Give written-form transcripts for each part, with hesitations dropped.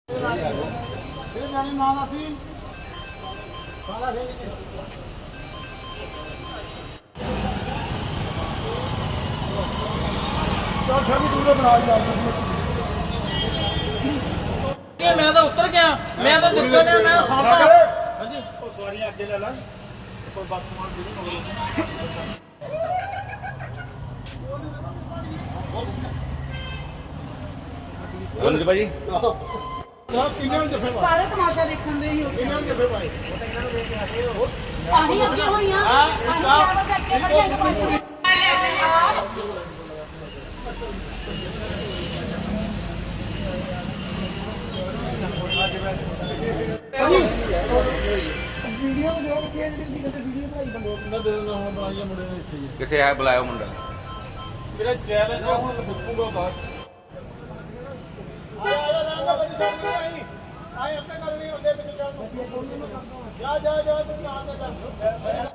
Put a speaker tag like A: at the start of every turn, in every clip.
A: मैं तो उतर गया, मैं तो दिक्कत है, मैं खाना हां जी ओ सवारियां आगे ले ला कोई बस सामान भी नहीं
B: बोल भाई
C: सारे तमाशा देखਣ ਦੇ ਹੀ ਹੋ ਇਹਨਾਂ ਨੂੰ ਜਫੇ ਪਾਏ ਉਹ ਤਾਂ ਇਹਨਾਂ ਨੂੰ ਦੇਖ ਕੇ ਹਟੇ ਹੋ ਆਹੀ ਅੱਗੇ ਹੋਈਆਂ ਆਹੀ ਚਾਰ ਵਜੇ ਅੱਗੇ ਖੜੇ ਤਮਾਸ਼ਾ ਵੀਡੀਓ ਦੇਖ ਕੇ ਜਿਹੜੀ ਕਿਤੇ ਵੀਡੀਓ ਬਣਾਈ ਬੰਦੇ ਦੇ ਨਾ ਹੁਣ ਬਣਾਈਆਂ ਮੁੰਡੇ ਨੇ ਇੱਥੇ
B: ਕਿੱਥੇ ਆ ਬੁਲਾਇਆ ਮੁੰਡਾ
A: ਮੇਰਾ ਚੈਲੰਜ ਹੈ ਹੁਣ ਫੁੱਕੂਗਾ ਬਾਹਰ ਆਏ ਆਪਣੇ ਗੱਲ ਨਹੀਂ ਹੁੰਦੇ ਵਿੱਚ ਜਾ ਜਾ ਜਾ ਤੂੰ ਨਾਲ ਦਾ ਕਰ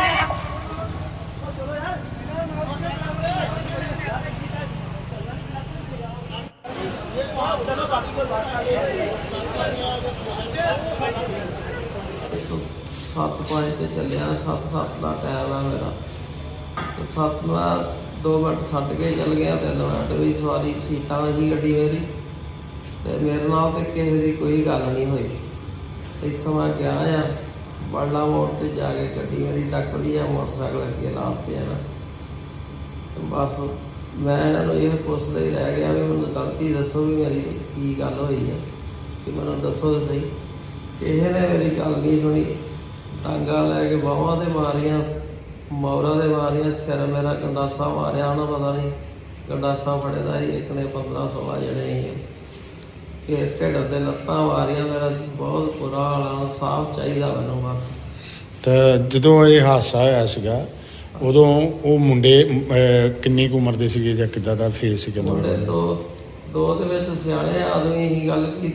D: सत्त पाँच से चलिया 7:07 का टाइम है मेरा तो 7 में 2 मिनट छड्ड के चल गया 3 मिनट भी सवारी सीटा में ही गड्डी मेरी तो मेरे नाल तो किसी की कोई गल नहीं हुई। इतों मैं गया आ बड़ला मोड़ से जाके गड्डी मेरी टक ली है मोटरसाइकिल अगे लाते है ना तो बस मैं इन्होंने ये पुछदा ही रह गया भी मैनूं गलती दसो भी मेरी की गल हुई है कि मैनूं दसो सही। किसी ने मेरी गल नहीं सुनी टांगा लैके बाहों से मारिया मौरा से मारिया सिर मेरा गंडासा मारिया उन्हें पता नहीं गंडासा फड़े का ही एक ने 15-16 जने ही कि ढिड से लत्तां मारिया मेरा बहुत बुरा हाल साफ चाहिए मैनूं बस।
E: तो जो ये हादसा होया सीगा उदों वो मुंडे किन्नी कुछ उम्र दे सीगे जां किद्दां दा फेस सीगा?
D: मुंडे दो दे विच सियाणे आदमी ही गल की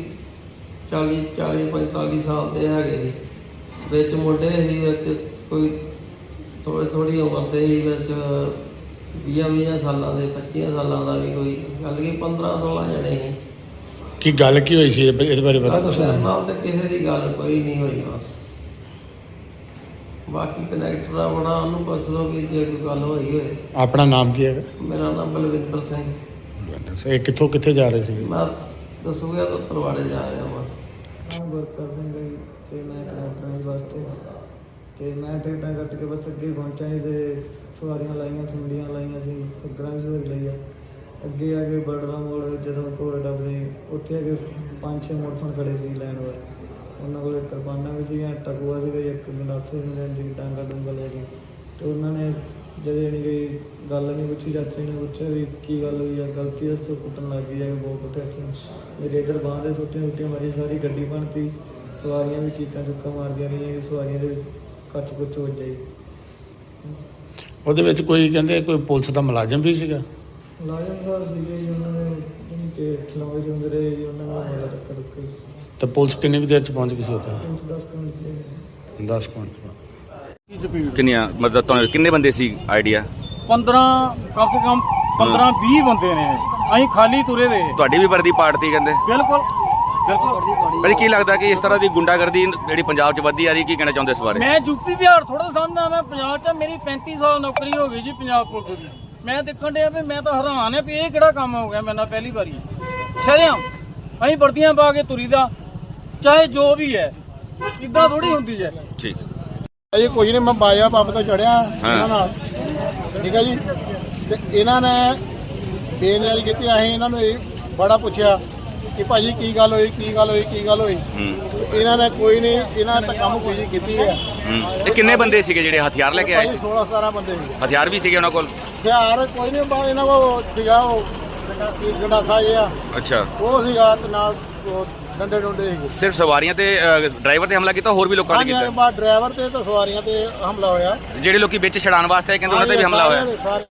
D: 40-45 साल के है विच मुंडे ही विच कोई थोड़ी उम्र के ही विच 20 सालों के 25 सालों का भी कोई गल की 15-16 जने ही
E: की गल की हुई सी इहदे बारे पता कुछ
D: नाल ते किसी की गल कोई नहीं हुई बस। बाकी कनैक्टर बड़ा उन्होंने पुछ लो कि जे कोई गल हुई होए।
E: अपना नाम की है?
D: मेरा नाम बलविंदर सिंह।
E: ये कित्थों कित्थे जा रहे थे?
D: मैं दसूया तो तरवाड़े जा रहा बस।
F: वर्कर सिंह ते मैं कनैक्टर वास्ते ते मैं टिकटां कट के बस अगे पहुंचा ही ते सवारियां लाइयां सुंडियां लाइयां सी सगड़ा भी सवारी लई अगे आके बड़ला मोड़ जदों कोल डबले उत्थे अगे 5-6 मोटरसाइकिल खड़े सी लैन वाले उन्होंने कोल किरपाना भी सी टकुआ सी एक गंडासे ने लैन सी डांगा डूंगा लेके तो उन्होंने जदे नहीं कोई गल नहीं पूछी चाचे ने पूछा भी की गल हुई है गलती दसो कुटन लग गई है बहुत कुटे हथ मेरे इधर बांह से सुट्टियां मारी सारी गड्डी बनती सवारियां भी चीकां चुक्कां मारदियां रहियां कि सवारियां दे कच कुच हो जाए।
E: ਉਹਦੇ ਵਿੱਚ ਕੋਈ ਕਹਿੰਦੇ ਕੋਈ ਪੁਲਿਸ ਦਾ ਮੁਲਾਜ਼ਮ ਵੀ ਸੀਗਾ?
F: ਮੁਲਾਜ਼ਮ ਸਾਹਿਬ ਸੀਗੇ ਜੀ ਉਹਨਾਂ ਨੇ ਜਿੰਨੀ ਕਿ ਖਿਲਾਵੇ ਜਾਂਦੇ ਰਹੇ ਜੀ ਉਹਨਾਂ ਨਾਲ ਮੇਰਾ ਟੱਕਰ ਰੁੱਕੇ
E: ਤੇ ਪੁਲਿਸ ਕਿੰਨੀ ਕੁ ਦੇਰ ਚ ਪਹੁੰਚ ਗਈ ਸੀ ਉੱਥੇ?
F: 10 ਮਿੰਟ
E: 10 ਮਿੰਟ।
B: ਕਿੰਨੀਆਂ ਮਤਲਬ ਤੁਹਾਨੂੰ ਕਿੰਨੇ ਬੰਦੇ ਸੀ ਆਈਡੀਆ?
A: 15 कम से कम 15-20 ਬੰਦੇ ਨੇ ਅਸੀਂ ਖਾਲੀ ਤੁਰੇ ਦੇ
B: ਤੁਹਾਡੀ ਵੀ ਵਰਦੀ ਪਾਰਟੀ ਕਹਿੰਦੇ?
A: ਬਿਲਕੁਲ ਬਿਲਕੁਲ।
B: ਭਾਜੀ ਕੀ ਲੱਗਦਾ ਕਿ ਇਸ ਤਰ੍ਹਾਂ ਦੀ ਗੁੰਡਾਗਰਦੀ ਜਿਹੜੀ ਪੰਜਾਬ 'ਚ ਵੱਧਦੀ ਆ ਰਹੀ ਕੀ ਕਹਿਣਾ ਚਾਹੁੰਦੇ ਇਸ ਬਾਰੇ?
A: ਮੈਂ ਯੂਪੀ ਬਿਹਾਰ ਥੋੜਾ ਸਮਝਦਾ ਮੈਂ ਪੰਜਾਬ 'ਚ ਮੇਰੀ 35 ਸਾਲ ਨੌਕਰੀ ਹੋ ਗਈ ਜੀ ਪੰਜਾਬ ਪੁਲਿਸ ਦੀ। ਮੈਂ ਦੇਖਣ ਡਿਆ ਵੀ ਮੈਂ ਤਾਂ ਹੈਰਾਨ ਆ ਵੀ ਇਹ ਕਿਹੜਾ ਕੰਮ ਹੋ ਗਿਆ ਮੇਰੇ ਨਾਲ ਪਹਿਲੀ ਵਾਰੀ ਸ਼ਰੇਆਮ ਅਸੀਂ ਵਰਦੀਆਂ ਪਾ ਕੇ ਤੁਰੀ ਦਾ ਚਾਹੇ ਜੋ ਵੀ ਹੈ ਇਦਾਂ ਥੋੜੀ ਹੁੰਦੀ ਹੈ।
B: ਠੀਕ
G: ਇਹ ਕੁਝ ਨਹੀਂ ਮੈਂ ਬਾਜਾ ਪੰਪ ਤੋਂ ਚੜਿਆ ਇਹਨਾਂ ਨਾਲ ਠੀਕ ਹੈ ਜੀ ਤੇ ਇਹਨਾਂ ਨੇ ਬੇਨਿਆਰੀ ਕੀਤੀ ਅਸੀਂ ਇਹਨਾਂ ਨੂੰ ਬੜਾ ਪੁੱਛਿਆ ਕਿ ਭਾਜੀ ਕੀ ਗੱਲ ਹੋਈ ਕੀ ਗੱਲ ਹੋਈ ਕੀ ਗੱਲ ਹੋਈ ਇਹਨਾਂ ਨੇ ਕੋਈ ਨਹੀਂ ਇਹਨਾਂ ਨੇ ਤਾਂ ਕੰਮ ਕੋਈ ਕੀਤੀ ਹੈ।
B: ਇਹ ਕਿੰਨੇ ਬੰਦੇ ਸੀਗੇ ਜਿਹੜੇ ਹਥਿਆਰ ਲੈ ਕੇ ਆਏ ਸੀ?
G: 16-17 ਬੰਦੇ ਸੀ।
B: ਹਥਿਆਰ ਵੀ ਸੀਗੇ ਉਹਨਾਂ ਕੋਲ?
G: ਹਥਿਆਰ ਕੋਈ ਨਹੀਂ ਬਾ ਇਹਨਾਂ ਕੋਲ ਸੀਗਾ ਉਹ ਗੰਡਾਸਾ ਜਿਹਾ
B: ਅੱਛਾ
G: ਉਹ ਸੀਗਾ ਤੇ ਨਾਲ ਡੰਡੇ ਡੁੰਡੇ ਸੀਗੇ।
B: ਸਿਰਫ ਸਵਾਰੀਆਂ ਤੇ ਡਰਾਈਵਰ ਤੇ ਹਮਲਾ ਕੀਤਾ ਹੋਰ ਵੀ ਲੋਕਾਂ ਨੇ ਕੀਤਾ?
G: ਬਾਅਦ ਡਰਾਈਵਰ ਤੇ ਸਵਾਰੀਆਂ ਤੇ ਹਮਲਾ ਹੋਇਆ।
B: ਜਿਹੜੇ ਲੋਕੀ ਵਿੱਚ ਛਡਾਣ ਵਾਸਤੇ ਆਏ ਕਹਿੰਦੇ ਉਹਨਾਂ ਤੇ ਵੀ ਹਮਲਾ ਹੋਇਆ?
G: ਸਾਰੇ